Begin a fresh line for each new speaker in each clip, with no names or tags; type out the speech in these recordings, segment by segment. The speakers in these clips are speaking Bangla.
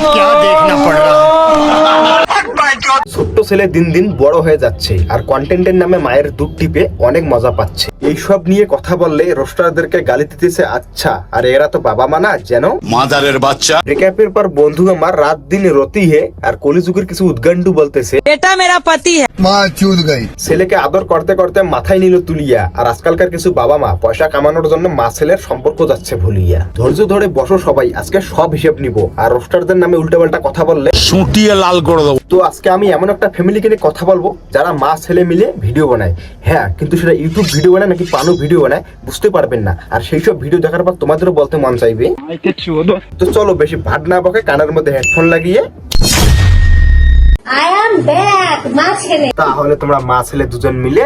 क्या देखना पड़ रहा है।
ছোট্ট ছেলে দিন দিন বড় হয়ে যাচ্ছে আর কন্টেন্টের নামে মায়ের দুধ টিপে অনেক মজা পাচ্ছে। এইসব নিয়ে কথা বললে রোস্টারদেরকে গালি দিতেছে। আচ্ছা, আর এরা তো বাবা মা না যেন
মাদারের বাচ্চা।
ব্রেকআপের পর বন্ধু আমার রাত দিন রতি হে আর কলিযুগের কিছু উদ্গান্ডু বলতেছে
बेटा मेरा पति है।
माँ चूत गई।
ছেলেকে আদর করতে করতে মাথায় নিল তুলিয়া। আর আজকালকার কিছু বাবা মা পয়সা কামানোর জন্য মা ছেলের সম্পর্ক যাচ্ছে ভুলিয়া। ধৈর্য ধরে বসো সবাই, আজকে সব হিসেব নিব। আর রোস্টারদের নামে উল্টাপাল্টা কথা বললে
সুটিয়ে লাল করে দেবো।
তো আজকে আমি এমন একটা ফ্যামিলিকে নিয়ে কথা বলবো যারা মা ছেলে মিলে ভিডিও বানায়। হ্যাঁ, কিন্তু সেটা ইউটিউব ভিডিও বানায় নাকি পানু ভিডিও বানায় বুঝতে পারবেন না। আর সেই সব ভিডিও দেখার পর তোমাদেরও বলতে মন চাইবে। তো চলো বেশি ভাট না বকে কানের মধ্যে হেডফোন লাগিয়ে
I am back, মা ছেলে।
তাহলে তোমরা মা ছেলে দুজন মিলে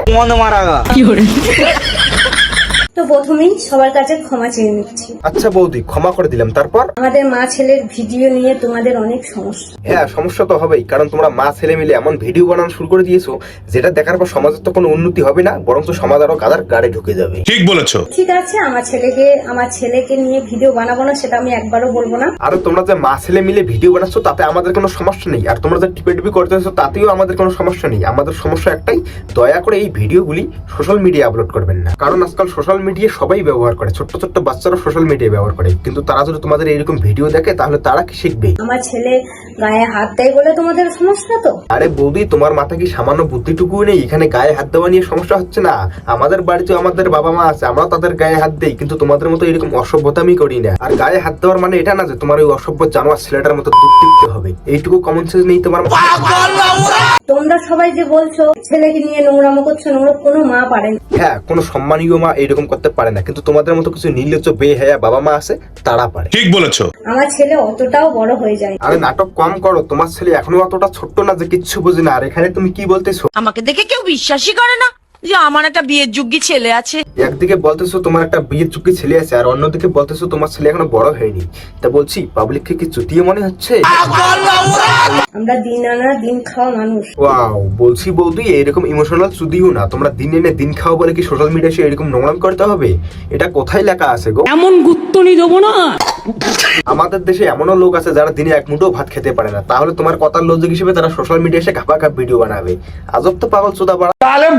তো প্রথমেই সবার কাছে ক্ষমা চেয়ে নিচ্ছি।
আচ্ছা বৌদি, ক্ষমা করে দিলাম। তারপর
আমাদের মা ছেলের ভিডিও নিয়ে তোমাদের অনেক সমস্যা।
হ্যাঁ, সমস্যা তো হবেই, কারণ তোমরা মা ছেলে মিলে এমন ভিডিও বানানো শুরু করে দিয়েছো যেটা দেখার পর সমাজের তো কোনো উন্নতি হবে না, বরঞ্চ সমাজ আরো গাদার গাড়ে ঢুকে যাবে।
ঠিক বলেছো।
ঠিক আছে, আমার ছেলেকে নিয়ে ভিডিও বানাবো না সেটা আমি একবারও বলবো না।
আর তোমরা যে মা ছেলে মিলে ভিডিও বানাচ্ছো তাতে আমাদের কোনো সমস্যা নেই। আর তোমরা যে টিপে করতেছো তাতেও আমাদের কোনো সমস্যা নেই। আমাদের সমস্যা একটাই, দয়া করে এই ভিডিওগুলি সোশ্যাল মিডিয়া আপলোড করবেন না। কারণ আজকাল সোশ্যাল মিডিয়া সবাই ব্যবহার করে, ছোট্ট ছোট্ট বাচ্চারা সোশ্যাল মিডিয়া ব্যবহার করে। কিন্তু তারা যদি তোমাদের এইরকম ভিডিও দেখে তাহলে তারা কি শিখবে?
আমার ছেলে গায়ে হাত দেয় বলে তোমাদের সমস্যা তো?
আরে বৌদি, তোমার মাথা কি সামান্য বুদ্ধিটুকু নেই? এখানে গায়ে হাত দেওয়া নিয়ে সমস্যা হচ্ছে না। আমাদের বাড়িতে আমাদের বাবা মা আছে, আমরা তাদের গায়ে হাত দেই, কিন্তু তোমাদের মতো এরকম অসভ্যতামি করি না। আর গায়ে হাত দেওয়ার মানে এটা না যে তোমার ওই অসভ্য জানোয়ার ছেলেটার মতো দুধ টিপতে হবে। এইটুকু কমন সেন্স নেই তোমার?
তোমরা সবাই যে বলছো ছেলেকে নিয়ে নোংরামো করছো, নোংরা কোনো মা পারে না।
হ্যাঁ, কোনো সম্মানীয় মা এইরকম করতে পারে না, কিন্তু তোমাদের মতো কিছু নির্লজ্জ বেহায়া বাবা মা আছে, তারা পারে।
ঠিক বলেছো।
আমার ছেলে অতটাও বড় হয়ে যায়।
আরে নাটক কম করো, তোমার ছেলে এখনো অতটা ছোট্ট না যে কিচ্ছু বোঝে না। আর এখানে তুমি কি বলতেছো?
আমাকে দেখে কেউ বিশ্বাসই করে না যে আমার একটা বিয়ের যোগ্য ছেলে আছে।
একদিকে বলতেছো তোমার একটা বিয়ের চুক্তি ছেলে আছে, আর অন্যদিকে বলতেছো তোমার ছেলে এখনো বড় হয়নি। তা বলছি, পাবলিককে কি চুতিয়ে মনে হচ্ছে?
আমরা দিন আনা দিন খাওয়া মানুষ।
ওয়াও, বলছি বৌদি, এরকম ইমোশনাল চুদিও না। তোমরা দিন এনে দিন খাওয়া বলে কি সোশ্যাল মিডিয়ায় এরকম নোংরাম করতে হবে? এটা কোথায় লেখা আছে গো?
এমন গুত্তনি দেবো না।
আমাদের দেশে এমনও লোক আছে যারা দিনে এক মুঠো ভাত খেতে পারে না, তাহলে তোমার কথার লজ্জা হিসেবে তারা সোশ্যাল মিডিয়ায় এসে ঘাপা ঘাপ ভিডিও বানাবে। আজব তো পাগল চোদা পাড়া।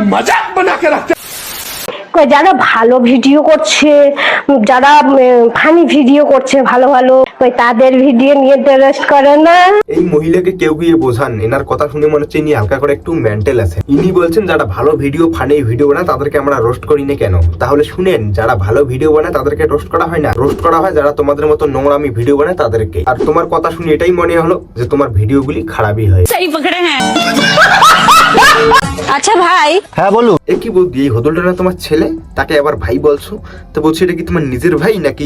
যারা ভালো ভিডিও করছে, যারা ফানি ভিডিও করছে ভালো ভালো, তাদের ভিডিও নিয়ে টেরেস্ট করে না।
এই মহিলাকে কেউ গিয়ে বোঝান, এনার কথা শুনে মনে হচ্ছে ইনি হালকা করে একটু মেন্টাল আছে। ইনি বলছেন যারা ভালো ভিডিও ফানি ভিডিও বানায় তাদেরকে আমরা রোস্ট করি না কেন? তাহলে শুনেন, যারা ভালো ভিডিও বানায় তাদেরকে রোস্ট করা হয় না, রোস্ট করা হয় যারা তোমাদের মতো নোংরামি ভিডিও বানায় তাদেরকে। আর তোমার কথা শুনে এটাই মনে হলো যে তোমার ভিডিওগুলি খারাপই হয়।
সেই পকড়ে হ্যাঁ। আচ্ছা ভাই,
হ্যাঁ বলো।
এ কি বলবি, এই হদলটা না তোমার ছেলে, তাকে আবার ভাই বলছো? তো বলছি এটা কি তোমার নিজের ভাই নাকি?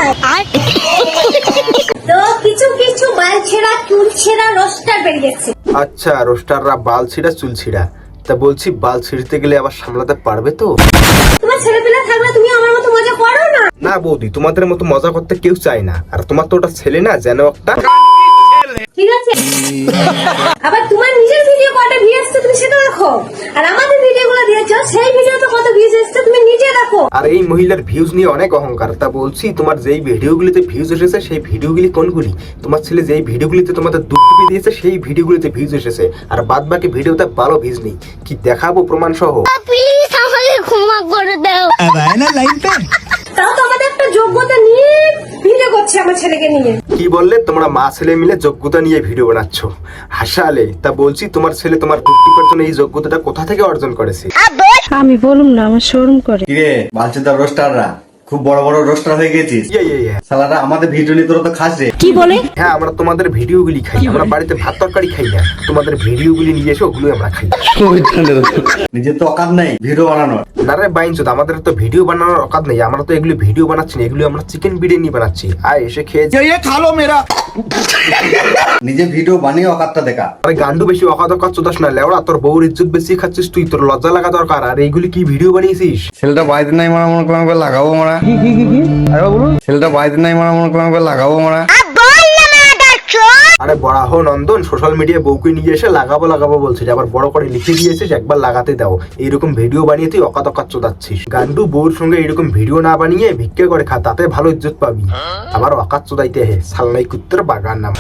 তো কিছু কিছু বাল ছেঁড়া চুল ছেঁড়া রোস্টার বেরিয়েছে।
আচ্ছা, রোস্টাররা বাল ছিঁড়া চুল ছিঁড়া। তা বলছি, বাল ছিঁড়তে গেলে আবার সামলাতে পারবে তো?
তোমার ছেলেপিলা থাকলে তুমি আমার মতো মজা করো না।
না বৌদি, তোমাদের মতো মজা করতে কেউ চায় না। আর তোমার তো ওটা ছেলে না, যেন একটা।
ঠিক আছে, আবার তোমার নিজের ভিডিও কয়টা ভিউ এসছে তুমি সেটা দেখো, আর আমাদের ভিডিওগুলো দিয়েছো সেই ভিডিওতে কত ভিউজ এসছে তুমি নিজে দেখো।
আর এই মহিলার ভিউজ নিয়ে অনেক অহংকার। তা বলছি, তোমার যেই ভিডিওগুলিতে ভিউজ এসেছে সেই ভিডিওগুলি কোনগুলি? তোমার ছেলে যেই ভিডিওগুলিতে তোমাদের দুধ টিপে দিয়েছে সেই ভিডিওগুলিতে ভিউজ এসেছে, আর বাদ বাকি ভিডিওতে ভালো ভিউজ নেই। কি দেখাবো প্রমাণ সহ?
প্লিজ আমাকে ক্ষমা করে দাও।
তাও তো আমাদের একটা যোগ্যতা নিয়ে ভিডিও করছে আমার ছেলেকে নিয়ে।
কি বললে? তোমরা মা ছেলে মিলে যোগ্যতা নিয়ে ভিডিও বানাচ্ছ? হাসালে। তা বলছি, তোমার ছেলে তোমার দুধ টিপার জন্য এই যোগ্যতাটা কোথা থেকে অর্জন করেছে?
আমি বলুম না, আমার শরম করে।
কিরে বালচুদার রোস্টাররা খুব বড় বড় রোস্টার হয়ে গেছিস। শালারা আমাদের ভিডিও নিয়ে তোরা তো খাস রে।
কি বলে?
হ্যাঁ, আমরা তোমাদের ভিডিওগুলি খাই। আমরা বাড়িতে ভাত তরকারি খাই না, তোমাদের ভিডিওগুলি নিয়ে এসে ওগুলো আমরা খাই।
নিজের তো অকাত নাই ভিডিও বানানোর।
না রে বাইনচোদ, আমাদের তো ভিডিও বানানোর অকাত নেই। আমরা তো এগুলো ভিডিও বানাচ্ছি না, এগুলো আমরা চিকেন বিরিয়ানি বানাচ্ছি। আয় এসে খেয়ে
নিজে ভিডিও বানিয়ে অকাতটা দেখা।
আরে গান্ডু, বেশি অকাত অকাত চোদাস না লেওড়া। তোর বউর ইজ্জত বেশি খাচ্ছিস তুই, তোর লজ্জা লাগা দরকার। আর এইগুলি কি ভিডিও বানিয়েছিস?
ছেলেটা বাড়িতে নাই মারা মনে করলাম লাগাবো মারা। ছেলেটা বাড়িতে নাই মারা মনে করলাম লাগাবো মারা।
আরে বড়াহ নন্দন, সোশ্যাল মিডিয়ায় বউকে নিয়ে এসে লাগাবো বলছিস, আবার বড় করে লিখে দিয়েছিস একবার লাগাতে দাও। এইরকম ভিডিও বানিয়ে তুই অকাত চোদাচ্ছিস। গান্ডু বউর সঙ্গে এইরকম ভিডিও না বানিয়ে ভিক্ষে করে খা, তাতে ভালো ইজ্জত পাবি। আবার অকাত চোদাইতে হে সালনাই কুত্তের বাগান নাম।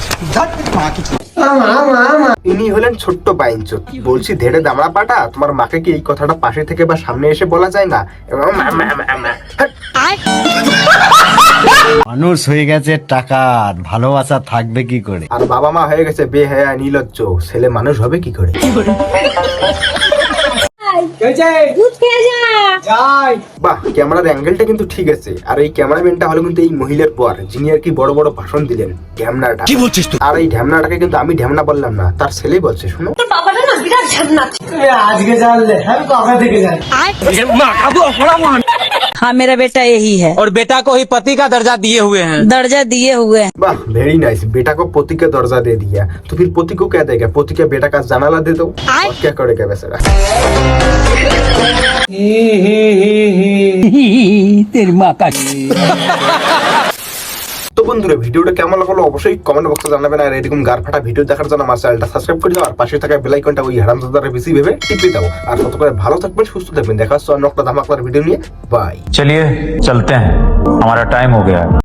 ইনি হলেন ছোট্ট বাইনচোদ। বলছি ধেড়ে দামড়া পাটা, তোমার মাকে কি এই কথাটা পাশে থেকে বা সামনে এসে বলা যায় না?
মানুষ হয়ে গেছে টাকার, ভালোবাসা থাকবে কি করে?
আর বাবা মা হয়ে গেছে বেহায়া নির্লজ্জ, ছেলে মানুষ হবে কি করে?
দুধ খেয়ে যা।
বাহ, ক্যামেরার অ্যাঙ্গেলটা কিন্তু ঠিক আছে। আর এই ক্যামেরাম্যানটা হলো কিন্তু এই মহিলার পর, যিনি আর কি বড় বড় ভাষণ দিলেন ঢ্যামনাটা।
কি বলছিস তুই?
আর এই ঢ্যামনাটাকে কিন্তু আমি ঢ্যামনা বললাম না, তার ছেলেই বলছে। শুনো,
তোর বাবাটা না বিরাট ঝামনা।
हाँ मेरा बेटा यही है
और बेटा को ही पति का दर्जा दिए हुए हैं।
दर्जा दिए हुए हैं।
वाह वेरी नाइस। बेटा को पति का दर्जा दे दिया, तो फिर पति को क्या देगा? पति का बेटा का जनाला दे दो, और क्या करेगा बेचारा?
तेरी माँ का।
তো বন্ধুরা, ভিডিওটা কেমন লাগলো অবশ্যই কমেন্ট বক্সে জানাবেন। আর এরকম গার ফাটা ভিডিও দেখার জন্য আমার চ্যানেলটা সাবস্ক্রাইব করে দাও, আর পাশে থাকা বেল আইকনটা ওই হারামজাদার বেশি ভেবে টিপে দাও। আর তত করে ভালো থাকবেন, সুস্থ থাকবেন। দেখা হচ্ছে অন্য একটা ধামাকাদার ভিডিও নিয়ে। বাই।
चलिए चलते हैं, हमारा टाइम हो गया है।